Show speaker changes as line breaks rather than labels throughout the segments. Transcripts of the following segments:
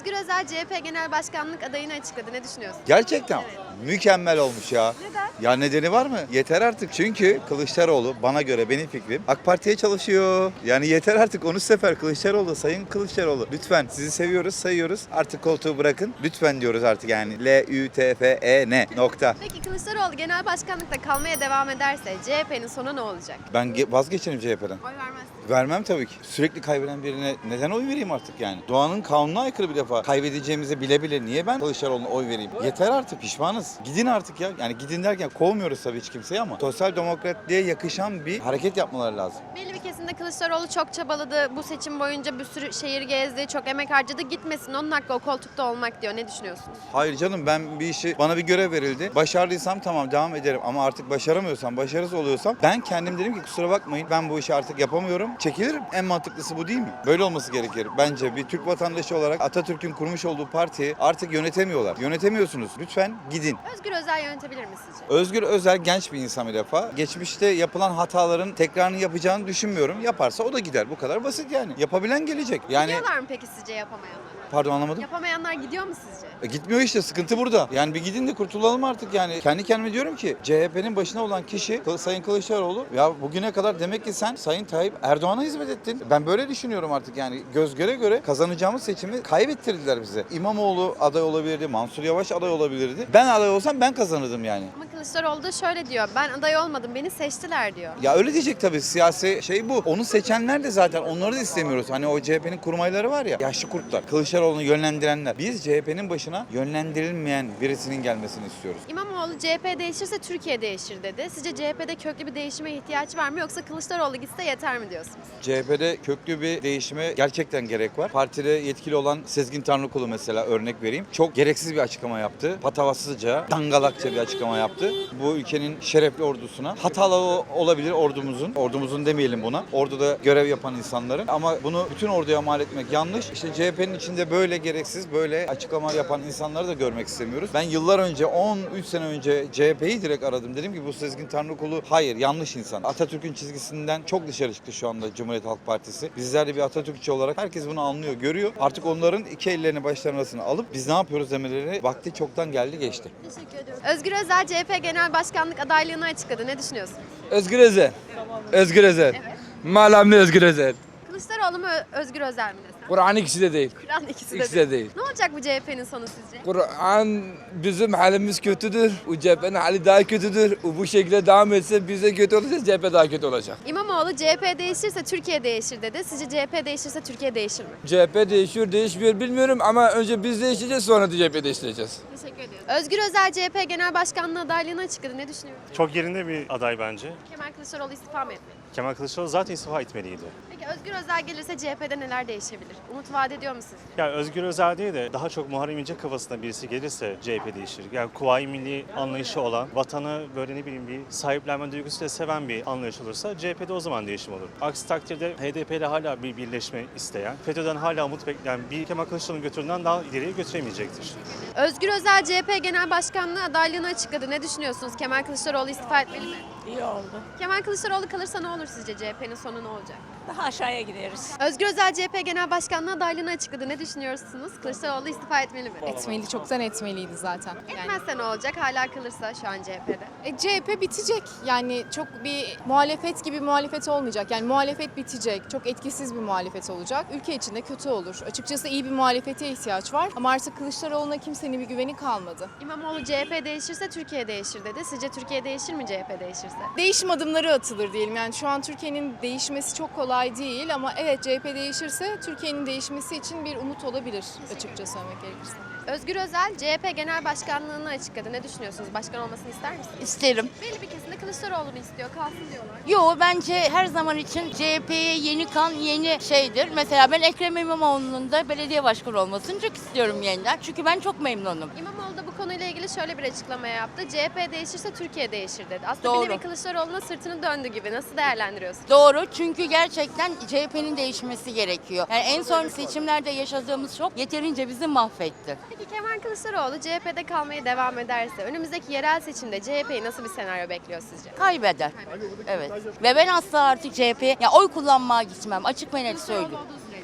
Özgür Özel CHP Genel Başkanlık adayını açıkladı. Ne düşünüyorsun?
Gerçekten
Evet.
mükemmel olmuş ya.
Neden?
Ya nedeni var mı? Yeter artık. Çünkü Kılıçdaroğlu bana göre benim fikrim AK Parti'ye çalışıyor. Yani yeter artık 13 sefer Kılıçdaroğlu, Sayın Kılıçdaroğlu. Lütfen sizi seviyoruz, sayıyoruz. Artık koltuğu bırakın. Lütfen diyoruz artık yani. L-Ü-T-F-E-N nokta.
Peki Kılıçdaroğlu genel başkanlıkta kalmaya devam ederse CHP'nin sonu ne olacak?
Ben vazgeçerim CHP'den.
Oy vermezsin.
Vermem tabii ki. Sürekli kaybeden birine neden oy vereyim artık yani? Doğanın kanununa aykırı bir defa. Kaybedeceğimizi bile bile niye ben Kılıçdaroğlu'na oy vereyim? Yeter artık, pişmanız. Gidin artık ya. Yani gidin derken kovmuyoruz tabii hiç kimseyi ama sosyal demokratliğe yakışan bir hareket yapmaları lazım.
Belli bir kesimde Kılıçdaroğlu çok çabaladı. Bu seçim boyunca bir sürü şehir gezdi, çok emek harcadı. Gitmesin, onun hakkı o koltukta olmak diyor. Ne düşünüyorsunuz?
Hayır canım, ben bir işi, bana bir görev verildi. Başardıysam tamam devam ederim ama artık başaramıyorsam, başarısız oluyorsam ben kendim dedim ki kusura bakmayın ben bu işi artık yapamıyorum. Çekilirim. En mantıklısı bu değil mi? Böyle olması gerekir. Bence bir Türk vatandaşı olarak Atatürk'ün kurmuş olduğu partiyi artık yönetemiyorlar. Yönetemiyorsunuz. Lütfen gidin.
Özgür Özel yönetebilir mi sizce?
Özgür Özel genç bir insan bir defa. Geçmişte yapılan hataların tekrarını yapacağını düşünmüyorum. Yaparsa o da gider. Bu kadar basit yani. Yapabilen gelecek. Yani
Gidiyorlar mı peki sizce yapamayanlar?
pardon anlamadım.
Yapamayanlar gidiyor mu sizce?
Gitmiyor işte, sıkıntı burada. Yani bir gidin de kurtulalım artık yani. Kendi kendime diyorum ki CHP'nin başına olan kişi Sayın Kılıçdaroğlu. Ya bugüne kadar demek ki sen Sayın Tayyip Erdoğan'a hizmet ettin. Ben böyle düşünüyorum artık yani. Göz göre göre kazanacağımız seçimi kaybettirdiler bize. İmamoğlu aday olabilirdi, Mansur Yavaş aday olabilirdi. Ben aday olsam ben kazanırdım yani.
Ama Kılıçdaroğlu da şöyle diyor. Ben aday olmadım, beni seçtiler diyor.
Ya öyle diyecek tabii, siyasi şey bu. Onu seçenler de zaten onları da istemiyoruz. Hani o CHP'nin kurmayları var ya, yaşlı kurtlar. Kılıçdaroğlu'nu yönlendirenler. Biz CHP'nin başına yönlendirilmeyen birisinin gelmesini istiyoruz.
İmamoğlu CHP değişirse Türkiye değişir dedi. Sizce CHP'de köklü bir değişime ihtiyaç var mı yoksa Kılıçdaroğlu gitse yeter mi diyorsunuz?
CHP'de köklü bir değişime gerçekten gerek var. Partide yetkili olan Sezgin Tanrıkulu mesela örnek vereyim. Çok gereksiz bir açıklama yaptı. Patavatsızca, dangalakça bir açıklama yaptı. Bu ülkenin şerefli ordusuna. Hatalı olabilir ordumuzun demeyelim buna. Orduda görev yapan insanların. Ama bunu bütün orduya mal etmek yanlış. İşte CHP'nin içinde böyle gereksiz, böyle açıklama yapan insanları da görmek istemiyoruz. Ben yıllar önce, 13 sene önce CHP'yi direkt aradım. Dedim ki bu Sezgin Tanrıkulu hayır, yanlış insan. Atatürk'ün çizgisinden çok dışarı çıktı şu anda Cumhuriyet Halk Partisi. Bizler de bir Atatürkçü olarak herkes bunu anlıyor, görüyor. Artık onların iki ellerini başlarının arasına alıp biz ne yapıyoruz demeleri vakti çoktan geldi geçti.
Teşekkür ediyorum. Özgür Özel CHP Genel Başkanlık adaylığını açıkladı. Ne düşünüyorsun?
Özgür Özel. Özgür Özel.
Evet.
Malamlı Özgür Özel.
Kılıçdaroğlu mu Özgür Özel mi desem?
Kur'an ikisi de değil.
Kur'an ikisi
İkisi
de
de
değil.
değil.
Ne olacak bu CHP'nin sonu sizce?
Kur'an bizim halimiz kötüdür. O CHP'nin hali daha kötüdür. O bu şekilde devam etse bize kötü olursa CHP daha kötü olacak.
İmamoğlu CHP değişirse Türkiye değişir dedi. Sizce CHP değişirse Türkiye değişir mi?
CHP değişiyor değişmiyor bilmiyorum ama önce biz değişeceğiz sonra da CHP değiştireceğiz.
Teşekkür ediyorum. Özgür Özel CHP Genel Başkanlığı adaylığını açıkladı. Ne düşünüyorsun?
Çok yerinde bir aday bence.
Kemal Kılıçdaroğlu istifa mı etmeli?
Kemal Kılıçdaroğlu zaten istifa etmeliydi.
Peki Özgür Özel gelirse CHP'de neler değişebilir? Umut vaat ediyor mu sizce?
Yani Özgür Özel değil de daha çok Muharrem İnce kafasında birisi gelirse CHP değişir. Yani Kuvayi Milli anlayışı olan, vatanı böyle ne bileyim bir sahiplenme duygusuyla seven bir anlayış olursa CHP'de o zaman değişim olur. Aksi takdirde HDP ile hala bir birleşme isteyen, FETÖ'den hala umut bekleyen bir Kemal Kılıçdaroğlu'nun götüründen daha ileriye götüremeyecektir.
Özgür Özel CHP Genel Başkanlığı adaylığını açıkladı. Ne düşünüyorsunuz? Kemal Kılıçdaroğlu istifa etmeli mi?
İyi oldu.
Kemal Kılıçdaroğlu kalırsa ne olur sizce? CHP'nin sonu ne olacak?
Daha aşağıya gideriz.
Özgür Özel CHP Genel Başkanlığı adaylığını açıkladı. Ne düşünüyorsunuz? Kılıçdaroğlu istifa etmeli mi?
Etmeli, çoktan etmeliydi zaten.
Etmezse ne olacak? Hala kalırsa şu an CHP'de.
CHP bitecek. Yani çok bir muhalefet gibi muhalefet olmayacak. Yani muhalefet bitecek. Çok etkisiz bir muhalefet olacak. Ülke için de kötü olur. Açıkçası iyi bir muhalefete ihtiyaç var. Ama artık Kılıçdaroğlu'na kimsenin bir güveni kalmadı.
İmamoğlu CHP değişirse Türkiye değişir dedi. Sizce Türkiye değişir mi CHP değişirse?
Değişim adımları atılır diyelim. Yani şu an Türkiye'nin değişmesi çok kolay değil ama evet CHP değişirse Türkiye'nin değişmesi için bir umut olabilir açıkça söylemek gerekirse.
Özgür Özel CHP Genel Başkanlığını açıkladı. Ne düşünüyorsunuz? Başkan olmasını ister misiniz?
İsterim.
Belli bir kesimde Kılıçdaroğlu'nu istiyor. Kalsın diyorlar.
Yo bence her zaman için CHP'ye yeni kan yeni şeydir. Mesela ben Ekrem İmamoğlu'nun da belediye başkanı olmasını çok istiyorum yeniden. Çünkü ben çok memnunum.
İmamoğlu da bu konuyla ilgili şöyle bir açıklama yaptı. CHP değişirse Türkiye değişir dedi. Aslında bir
Doğru.
nevi Kılıçdaroğlu'na sırtını döndü gibi. Nasıl değerlendiriyorsunuz?
Doğru çünkü gerçekten CHP'nin değişmesi gerekiyor. Yani en son seçimlerde yaşadığımız şok yeterince bizi mahvetti.
Peki Kemal Kılıçdaroğlu CHP'de kalmaya devam ederse önümüzdeki yerel seçimde CHP'yi nasıl bir senaryo bekliyor sizce?
Kaybeder. Evet. Ve ben asla artık CHP'ye ya oy kullanmaya gitmem. Açık ve net söylüyorum.
Olduğu sürece.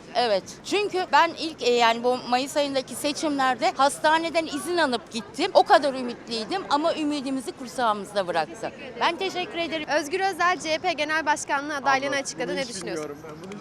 Evet. Çünkü ben ilk yani bu Mayıs ayındaki seçimlerde hastaneden izin alıp gittim. O kadar ümitliydim ama ümidimizi kursağımızda bıraktı. Ben teşekkür ederim.
Özgür Özel CHP Genel Başkanlığı adaylığını açıkladı. Ne düşünüyorsun?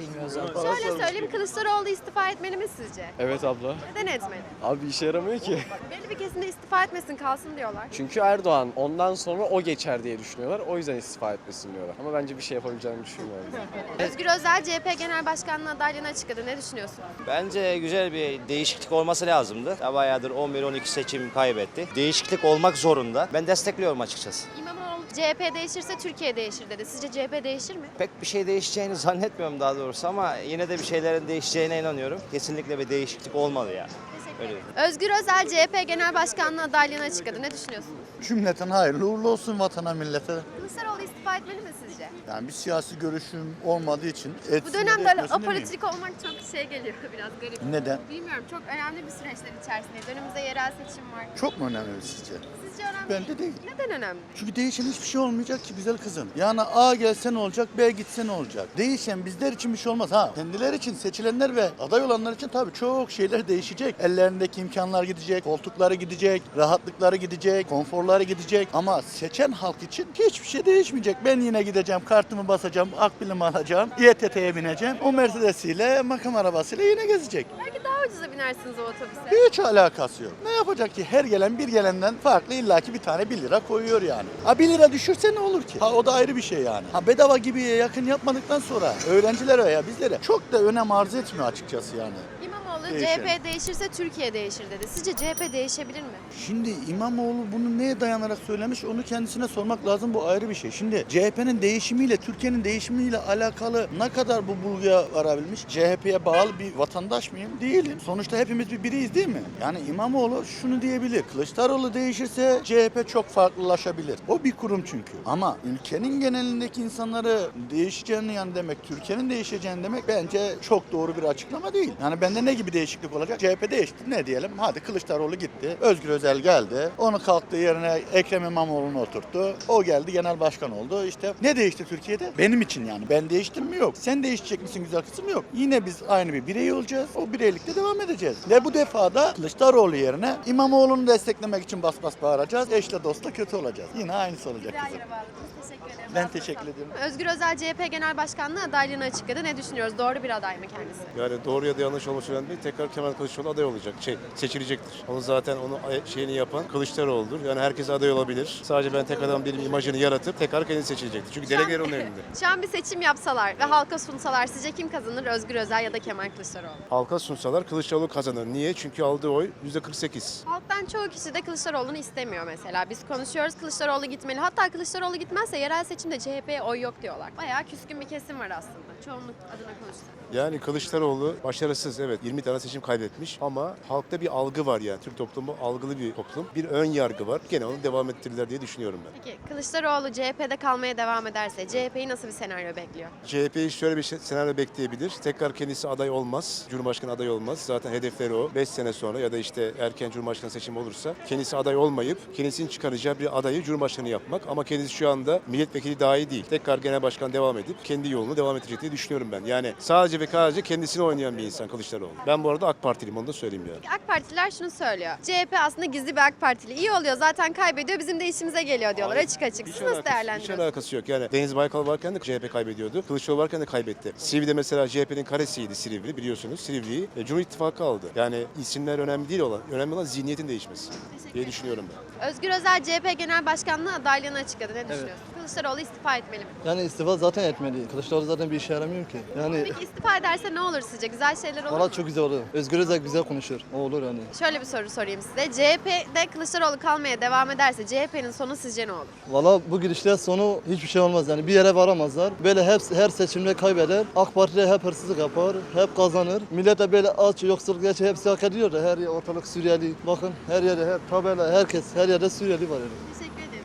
Şöyle söyleyeyim, Kılıçdaroğlu istifa etmeli mi sizce?
Evet abla.
Neden etmeli?
Abi işe yaramıyor ki.
Belli bir kesimde istifa etmesin, kalsın diyorlar.
Çünkü Erdoğan ondan sonra o geçer diye düşünüyorlar. O yüzden istifa etmesin diyorlar. Ama bence bir şey yapabileceğini düşünmüyorum.
Özgür Özel CHP Genel Başkanlığı adaylığını açıkladı. Ne düşünüyorsun?
Bence güzel bir değişiklik olması lazımdı. Ya bayağıdır 11-12 seçim kaybetti. Değişiklik olmak zorunda. Ben destekliyorum açıkçası.
İmamoğlu CHP değişirse Türkiye değişir dedi. Sizce CHP değişir mi?
Pek bir şey değişeceğini zannetmiyorum daha doğrusu ama yine de bir şeylerin değişeceğine inanıyorum. Kesinlikle bir değişiklik olmalı ya. Öyle.
Özgür Özel CHP Genel Başkanlığı adaylığını açıkladı. Ne düşünüyorsunuz?
Cümleten hayırlı uğurlu olsun vatana millete.
Kılıçdaroğlu istifa etmeli mi sizce?
Yani bir siyasi görüşüm olmadığı için
Bu
etsin
dönem
de
böyle
etmesin demeyeyim.
apolitik olmak çok geliyor biraz garip.
Neden?
Bilmiyorum, çok önemli bir süreçler içerisindeyiz. Önümüzde yerel seçim var.
Çok mu önemli sizce?
Sizce önemli
Bence değil.
Neden önemli?
Çünkü değişen hiçbir şey olmayacak ki güzel kızım. Yani A gelse ne olacak, B gitse ne olacak? Değişen bizler için bir şey olmaz. Ha, kendileri için, seçilenler ve aday olanlar için tabii çok şeyler değişecek. Ellerindeki imkanlar gidecek, koltukları gidecek, rahatlıkları gidecek, konforları gidecek. Ama seçen halk için hiçbir şey değişmeyecek. Ben yine gideceğim, kartımı basacağım, akbilimi alacağım, İETT'ye bineceğim. O Mercedes'iyle, makam arabasıyla yine gezecek.
Belki daha ucuza binersiniz o otobüse.
Hiç alakası yok. Ne yapacak ki? Her gelen bir gelenden farklı illaki bir tane 1 lira koyuyor yani. Ha 1 lira düşürse ne olur ki? Ha o da ayrı bir şey yani. Ha bedava gibiye yakın yapmadıktan sonra öğrencilere veya bizlere çok da önem arz etmiyor açıkçası yani.
İmamoğlu
Değişen.
CHP değişirse Türkiye değişir dedi. Sizce CHP değişebilir mi?
Şimdi İmamoğlu bunu neye dayanarak söylemiş onu kendisine sormak lazım, bu ayrı bir şey. Şimdi CHP'nin değişimiyle Türkiye'nin değişimiyle alakalı ne kadar bu bulguya varabilmiş? CHP'ye bağlı bir vatandaş mıyım? Değilim. Sonuçta hepimiz bir biriyiz değil mi? Yani İmamoğlu şunu diyebilir. Kılıçdaroğlu değişirse CHP çok farklılaşabilir. O bir kurum çünkü. Ama ülkenin genelindeki insanları değişeceğini yani demek, Türkiye'nin değişeceğini demek bence çok doğru bir açıklama değil. Yani bende ne gibi değişiklik olacak? CHP değişti. Ne diyelim? Hadi Kılıçdaroğlu gitti. Özgür Özel geldi. Onu kalktığı yerine Ekrem İmamoğlu'nu oturttu. O geldi genel başkan oldu. İşte ne değişti Türkiye'de? Benim için yani. Ben değiştim mi? Yok. Sen değişecek misin güzel kızım? Yok. Yine biz aynı bir birey olacağız. O bireylikte devam edeceğiz. Ve bu defada Kılıçdaroğlu yerine İmamoğlu'nu desteklemek için bas bas bağıracağız. Eşle dostla kötü olacağız. Yine aynısı olacak
Güzel
kızım.
yere bağladınız. Teşekkür ederim.
Ben teşekkür ediyorum.
Özgür Özel CHP Genel Başkanlığı adaylığını açıkladı. Ne düşünüyoruz? Doğru bir aday mı kendisi?
Yani doğru ya da yanlış olması önemli değil. Tekrar Kemal Kılıçdaroğlu aday olacak. Seçilecektir. Onu zaten şeyini yapan Kılıçdaroğlu'dur. Yani herkes aday olabilir. Sadece ben tek adam değilim imajını yaratıp tekrar kendisi seçilecektir. Çünkü delegeler onun elinde.
Şu an bir seçim yapsalar ve halka sunsalar sizce kim kazanır? Özgür Özel ya da Kemal Kılıçdaroğlu?
Halka sunsalar Kılıçdaroğlu kazanır. Niye? Çünkü aldığı oy %48.
Halktan çoğu kişi de Kılıçdaroğlu'nu istemiyor mesela. Biz konuşuyoruz, Kılıçdaroğlu gitmeli. Hatta Kılıçdaroğlu gitmezse yerel seçimde CHP'ye oy yok diyorlar. Bayağı küskün bir kesim var aslında. Çoğunluk adına konuşsak.
Yani Kılıçdaroğlu başarısız, evet 20 tane seçim kaybetmiş ama halkta bir algı var yani. Türk toplumu algılı bir toplum. Bir ön yargı var. Gene onu devam ettirirler diye düşünüyorum ben.
Peki Kılıçdaroğlu CHP'de kalmaya devam ederse CHP'yi nasıl bir senaryo bekliyor?
CHP'yi şöyle bir senaryo bekleyebilir. Tekrar kendisi aday olmaz. Cumhurbaşkanı aday olmaz. Zaten hedefleri o. 5 sene sonra ya da işte erken Cumhurbaşkanı seçimi olursa kendisi aday olmayıp kendisinin çıkaracağı bir adayı Cumhurbaşkanı yapmak. Ama kendisi şu anda milletvekili dahi değil. Tekrar genel başkan devam edip kendi yolunu devam edecek diye düşünüyorum ben. Yani sadece ve sadece kendisini oynayan bir insan Kılıçdaroğlu. Ben bu arada AK Partiliyim, onu da söyleyeyim yani.
AK Partililer şunu söylüyor. CHP aslında gizli bir AK Partili. İyi oluyor zaten kaybediyor bizim de işimize geliyor diyorlar
Hayır,
açık açık.
hiç
Siz nasıl
Hiç
değerlendiriyorsunuz?
alakası yok. Yani Deniz Baykal varken de CHP kaybediyordu. Kılıçdaroğlu varken de kaybetti. Silivri'de mesela CHP'nin karesiydi Silivri biliyorsunuz. Silivri'yi Cumhur İttifakı aldı. Yani isimler önemli değil olan. Önemli olan zihniyetin değişmesi diye düşünüyorum ben.
Özgür Özel CHP Genel Başkanlığı adaylığını açıkladı. Ne düşünüyorsun? Kılıçdaroğlu istifa etmeli mi?
Yani istifa zaten etmeli. Kılıçdaroğlu zaten bir işe yaramıyor ki. Yani
Peki istifa ederse ne olur sizce? Güzel şeyler olur mu?
valla çok güzel olur. Özgür Özel güzel konuşuyor. O olur yani.
Şöyle bir soru sorayım size. CHP'de Kılıçdaroğlu kalmaya devam ederse CHP'nin sonu sizce ne olur?
Valla bu gidişler sonu hiçbir şey olmaz yani. Bir yere varamazlar. Böyle her seçimde kaybeder. AK Parti'de hep hırsızlık yapar. Hep kazanır. Millet de böyle aç, yoksulluk, gerçi hepsi hak ediyor da her yer ortalık Suriyeli. Bakın her yerde hep tabela, herkes her yerde Suriyeli var yani.
Teşekkür ederim.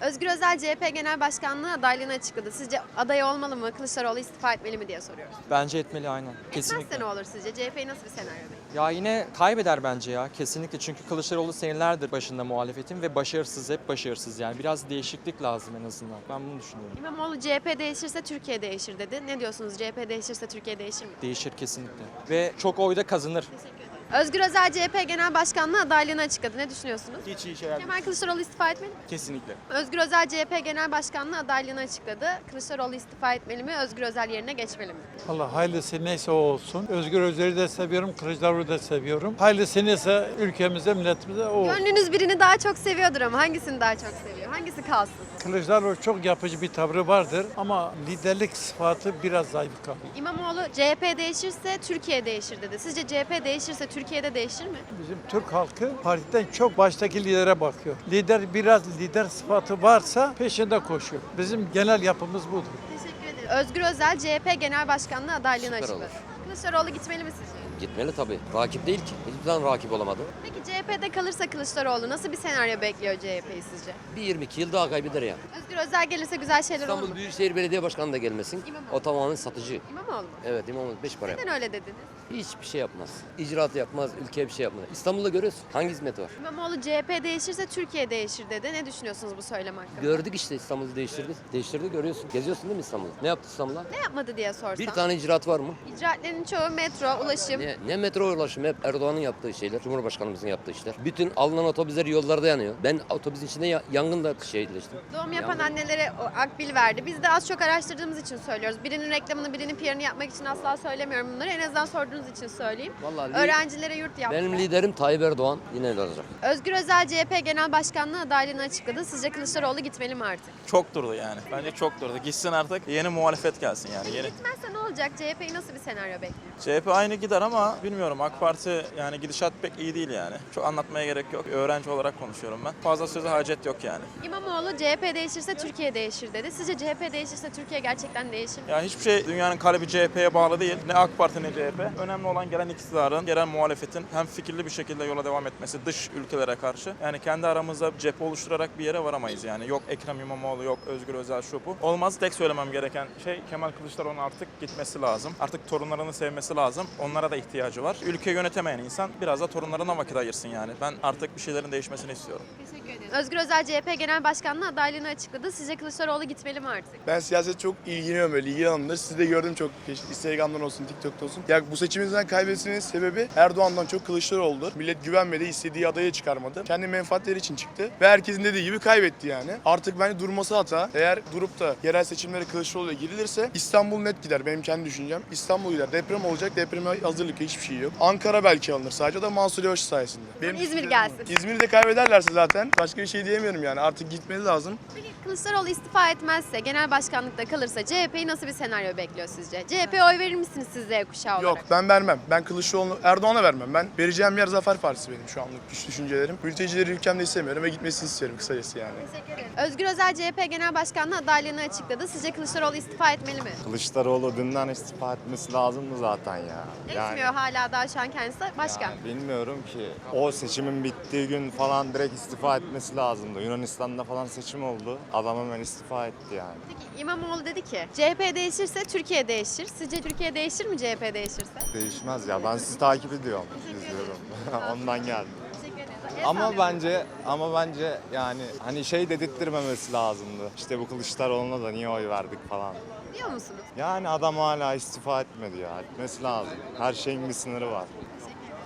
Özgür Özel CHP Genel Başkanlığı adaylığını açıkladı. Sizce aday olmalı mı? Kılıçdaroğlu istifa etmeli mi diye soruyoruz.
Bence etmeli aynen.
Etmezse ne olur sizce? CHP'yi nasıl bir senaryo bekliyor?
Ya yine kaybeder bence ya kesinlikle. Çünkü Kılıçdaroğlu senelerdir başında muhalefetin ve başarısız, hep başarısız. Yani biraz değişiklik lazım en azından. Ben bunu düşünüyorum.
İmamoğlu CHP değişirse Türkiye değişir dedi. Ne diyorsunuz? CHP değişirse Türkiye değişir mi?
Değişir kesinlikle. Ve çok oyda kazanır.
Özgür Özel CHP Genel Başkanlığı adaylığını açıkladı. Ne düşünüyorsunuz?
Hiç iyi şeyler
Kemal Kılıçdaroğlu istifa etmeli mi?
kesinlikle.
Özgür Özel CHP Genel Başkanlığı adaylığını açıkladı. Kılıçdaroğlu istifa etmeli mi? Özgür Özel yerine geçmeli mi?
Allah hayırlısı neyse o olsun. Özgür Özel'i de seviyorum, Kılıçdaroğlu'nu da seviyorum. Hayırlısı neyse ülkemize, milletimize o olsun.
Gönlünüz birini daha çok seviyordur ama hangisini daha çok seviyor? Hangisi kalsın?
Kılıçdaroğlu çok yapıcı bir tavrı vardır ama liderlik sıfatı biraz zayıf kalıyor.
İmamoğlu CHP değişirse Türkiye değişir dedi. Sizce CHP değişirse Türkiye'de değişir mi?
Bizim Türk halkı partiden çok baştaki lidere bakıyor. Lider sıfatı varsa peşinde koşuyor. Bizim genel yapımız budur.
Teşekkür ederim. Özgür Özel CHP Genel Başkanlığı adaylığını
Süper
açıkladı. Kılıçdaroğlu gitmeli mi sizce?
Gitmeli tabii. Rakip değil ki. Hiçbir zaman rakip olamadı.
Peki CHP'de kalırsa Kılıçdaroğlu nasıl bir senaryo bekliyor CHP'yi sizce?
Bir 22 yıl daha kaybeder yani.
Özgür Özel gelirse güzel şeyler olur mu?
İstanbul Büyükşehir Belediye Başkanı da gelmesin.
İmamoğlu.
O tamamen satıcı.
İmamoğlu mu?
Evet İmamoğlu 5 para yapar.
Neden öyle dediniz?
Hiçbir şey yapmaz. İcraat yapmaz, ülkeye bir şey yapmaz. İstanbul'da görüyorsun. Hangi hizmet var?
İmamoğlu CHP değişirse Türkiye değişir dedi. Ne düşünüyorsunuz bu söylem hakkında?
Gördük işte İstanbul'u değiştirdi. Değiştirdi görüyorsun. Geziyorsun değil mi İstanbul'u? Ne yaptı İstanbul'a?
Ne yapmadı diye sorsam.
Bir tane icraat var mı?
İcraatlerin çoğu metro, ulaşım.
Ne metro ulaşımı, hep Erdoğan'ın yaptığı şeyler, Cumhurbaşkanımızın yaptığı işler. Bütün alınan otobüsler yollarda yanıyor. Ben otobüsün içinde yangında şehitleştim.
Doğum yapan annelere o akbil verdi. Biz de az çok araştırdığımız için söylüyoruz. Birinin reklamını, birinin PR'ını yapmak için asla söylemiyorum bunları. En azından sorduğunuz için söyleyeyim.
Vallahi
Öğrencilere yurt yaptı.
benim liderim Tayyip Erdoğan yine olacak.
Özgür Özel CHP Genel Başkanlığı adaylığını açıkladı. Sizce Kılıçdaroğlu gitmeli mi artık?
Çok durdu yani. Bence çok durdu. Gitsin artık yeni muhalefet gelsin yani. Yeni.
Gitmezse ne olacak? CHP'yi nasıl bir senaryo bekliyor?
CHP aynı gider ama bilmiyorum AK Parti yani gidişat pek iyi değil yani. Çok anlatmaya gerek yok. Öğrenci olarak konuşuyorum ben. Fazla söze hacet yok yani.
İmamoğlu CHP değişirse Türkiye değişir dedi. Sizce CHP değişirse Türkiye gerçekten değişir mi?
Ya hiçbir şey dünyanın kalbi CHP'ye bağlı değil. Ne AK Parti ne CHP. Önemli olan gelen iktidarın, gelen muhalefetin hem fikirli bir şekilde yola devam etmesi dış ülkelere karşı. Yani kendi aramızda cephe oluşturarak bir yere varamayız yani. Yok Ekrem İmamoğlu, yok Özgür Özel şu bu. Olmaz. Tek söylemem gereken şey Kemal Kılıçdaroğlu'nun artık gitmesi lazım. Artık torunlarını sevmesi lazım. Onlara da ihtiyacı var. Ülke yönetemeyen insan biraz da torunlarına vakit ayırsın yani. Ben artık bir şeylerin değişmesini istiyorum.
Teşekkür ederim. Özgür Özel CHP Genel Başkanlığı adaylığını açıkladı. Sizce Kılıçdaroğlu gitmeli mi artık?
Ben siyaset çok ilgileniyorum böyle ilgi alanımda. Sizi de gördüm çok. Instagram'dan olsun, TikTok'ta olsun. Ya bu seçimimizden kaybetmesinin sebebi Erdoğan'dan çok Kılıçdaroğlu'dur. Millet güvenmedi, istediği adayı çıkarmadı. Kendi menfaatleri için çıktı ve herkesin dediği gibi kaybetti yani. Artık bence durması hata. Eğer durup da yerel seçimlere Kılıçdaroğlu'ya girilirse İstanbul net gider. Benim kendi düşüncem. İstanbul gider. Deprem olacak. Depreme hazırlık hiçbir şey yok. Ankara belki alınır. Sadece o da Mansur Yavaş sayesinde. Benim
İzmir gelsin.
İzmir'i de kaybederlerse zaten başka bir şey diyemiyorum yani. Artık gitmeli lazım.
Peki Kılıçdaroğlu istifa etmezse, genel başkanlıkta kalırsa CHP'yi nasıl bir senaryo bekliyor sizce? CHP'ye oy verir misiniz siz Z kuşağı olarak?
Yok ben vermem. Ben Kılıçdaroğlu, Erdoğan'a vermem. Ben vereceğim yer Zafer Partisi benim şu anlık düşüncelerim. Mültecileri ülkemde istemiyorum ve gitmesini istiyorum kısacası yani.
Teşekkür ederim. Özgür Özel CHP Genel Başkanlığı adaylığını açıkladı. Sizce Kılıçdaroğlu istifa etmeli mi?
Kılıçdaroğlu dünden istifa etmesi lazım mı zaten ya?
Etmiyor hala daha şu an kendisi başkan.
Yani bilmiyorum ki. O seçimin bittiği gün falan direkt istifa etmesi lazımdı. Yunanistan'da falan seçim oldu. Adam hemen istifa etti yani.
Peki İmamoğlu dedi ki CHP değişirse Türkiye değişir. Sizce Türkiye değişir mi CHP değişirse?
Değişmez ya. Ben sizi takip ediyorum, izliyorum. Ondan geldim.
Teşekkür ederim.
Ama bence yani hani şey dedirttirmemesi lazımdı. İşte bu Kılıçdaroğlu'na da niye oy verdik falan.
Diyor musunuz?
Yani adam hala istifa etmedi ya. Etmesi lazım. Her şeyin bir sınırı var.